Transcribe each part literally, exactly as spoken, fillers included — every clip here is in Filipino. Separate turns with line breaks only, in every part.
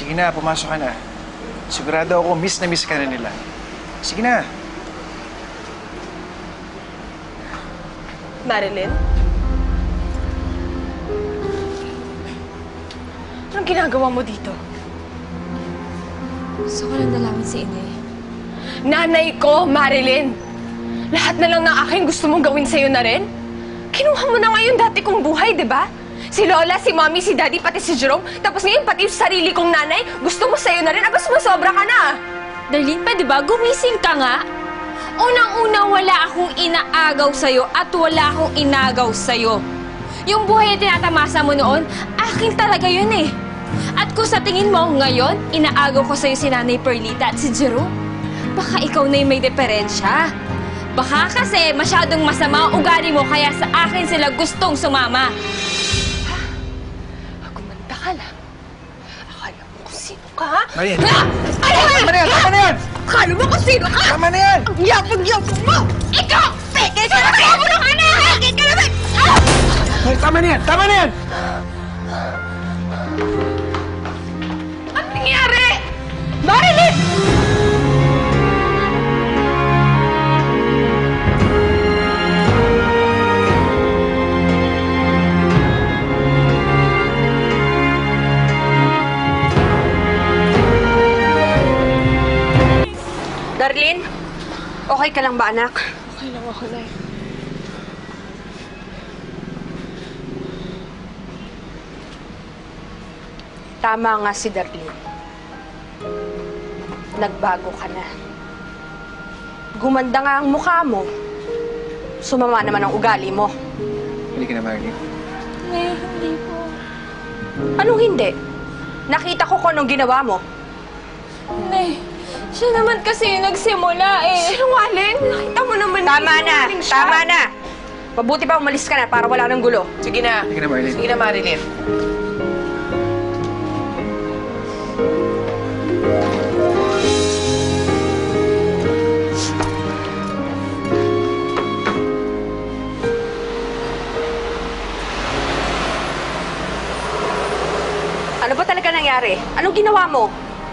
Sige na, pumasok ka na. Sigurado ako, miss na miss ka na nila. Sige na.
Marilyn? Anong ginagawa mo dito?
Gusto ko lang dalawin si Inay.
Nanay ko, Marilyn! Lahat na lang ng aking gusto mong gawin sa'yo na rin? Kinuha mo na ngayon dati kong buhay, di ba? Si Lola, si Mommy, si Daddy, pati si Jerome. Tapos ngayon, pati yung sarili kong nanay, gusto mo sa'yo na rin? Aba, sumasobra ka na!
Darlene, pwede ba? Gumising ka nga. Unang-una, wala akong inaagaw sa'yo at wala akong inagaw sa'yo. Yung buhay na tinatamasa mo noon, akin talaga yun eh. At kung sa tingin mo ngayon, inaagaw ko sa'yo si Nanay Perlita at si Jerome, baka ikaw na yung may diferensya. Baka kasi masyadong masama ang ugali mo kaya sa akin sila gustong sumama.
Gumanda ka lang. Akala mo kung sino ka, ha?
Marian!
Ha? Ano ba?
Tama na yan! Tama na yan!
Akala mo kung sino ka?
Tama na yan!
Ang yapag-yapag mo! Ikaw! Peke ka naman! Ako ng anak! Peke ka naman! Ah!
Ay, tama na yan! Tama na yan!
Ano nangyari? Marilyn!
Darlene, okay ka lang ba, anak?
Okay lang ako, Nay.
Tama nga si Darlene. Nagbago ka na. Gumanda nga ang mukha mo. Sumama naman ang ugali mo.
Hindi ka na, Marilyn.
Nay, hindi po.
Anong hindi? Nakita ko kung anong ginawa mo.
Nay, siya naman kasi yung nagsimula eh.
Sinungaling? Nakita mo naman.
Tama na!
sinungaling siya.
Tama na! Mabuti pa umalis ka na para wala nang gulo.
Sige na.
Sige na, Marilyn.
Sige na, Marilyn.
Ano ba talaga nangyari? Anong ginawa mo?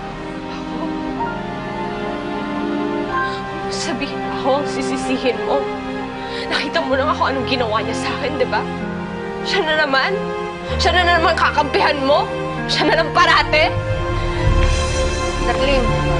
Sabihin ako ang sisisihin mo. Nakita mo lang ako anong ginawa niya sa akin, di ba? Siya na naman. Siya na naman kakampihan mo. Siya na lang parate.
Darlene,